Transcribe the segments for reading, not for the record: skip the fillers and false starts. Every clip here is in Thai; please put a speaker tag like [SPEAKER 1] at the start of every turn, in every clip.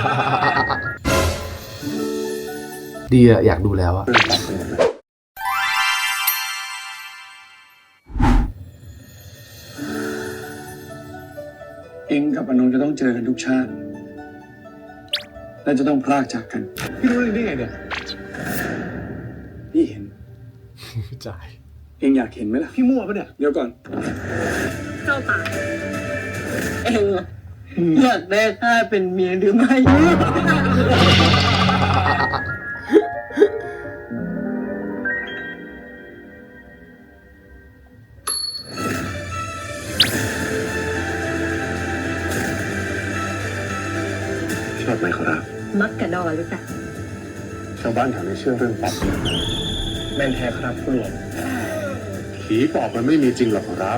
[SPEAKER 1] ดีอะอยากดูแล้วอะ
[SPEAKER 2] เองกับอนงจะต้องเจอกันทุกชาติและจะต้องพรากจากกันพี่รู้ได้ไงเนี่ยพี่เห็น
[SPEAKER 1] จ่าย
[SPEAKER 2] เองอยากเห็นไหมล่ะพี่มั่วปะเนี่ยเดี๋ยวก่อน
[SPEAKER 3] เจ้าตาเองอยากได้ข้าเป็นเมียหรือไม่
[SPEAKER 2] ชอบไหมครับ
[SPEAKER 3] มักกะดอหรือเปล่า
[SPEAKER 2] ชาวบ้านแถวนี้เชื่อเรื่องปอบแม่นแท้ครับผู้หลวงผีปอบมันไม่มีจริงหรอกครับ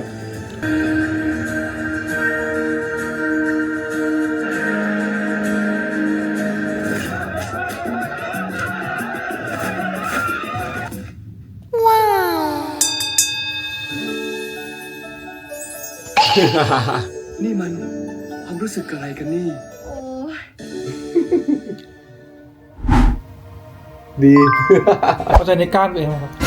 [SPEAKER 2] นี่มันความรู้สึกอะไรกันนี่
[SPEAKER 3] โอ้ย
[SPEAKER 1] ดี
[SPEAKER 4] เข้าใจในก้านตัวเองไหมครับ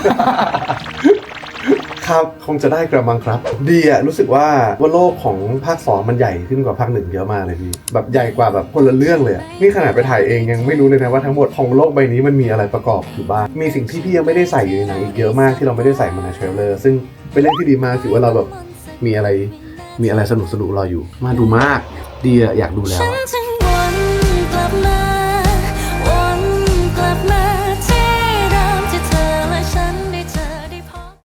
[SPEAKER 1] ครับคงจะได้กระมังครับ ดีอะรู้สึกว่าโลกของภาค 2มันใหญ่ขึ้นกว่าภาค 1เยอะมากเลยพี่แบบใหญ่กว่าแบบคนละเรื่องเลยอะนี่ขนาดไปถ่ายเองยังไม่รู้เลยนะว่าทั้งหมดของโลกใบนี้มันมีอะไรประกอบอยู่บ้างมีสิ่งที่พี่ยังไม่ได้ใส่อยู่ในหนังอีกเยอะมากที่เราไม่ได้ใส่มาในเทรลเลอร์ซึ่งเป็นเรื่องที่ดีมากถือว่าเราแบบมีอะไรสนุกรออยู่มาดูมากดีอะอยากดูแล้ว
[SPEAKER 5] ฉันจึง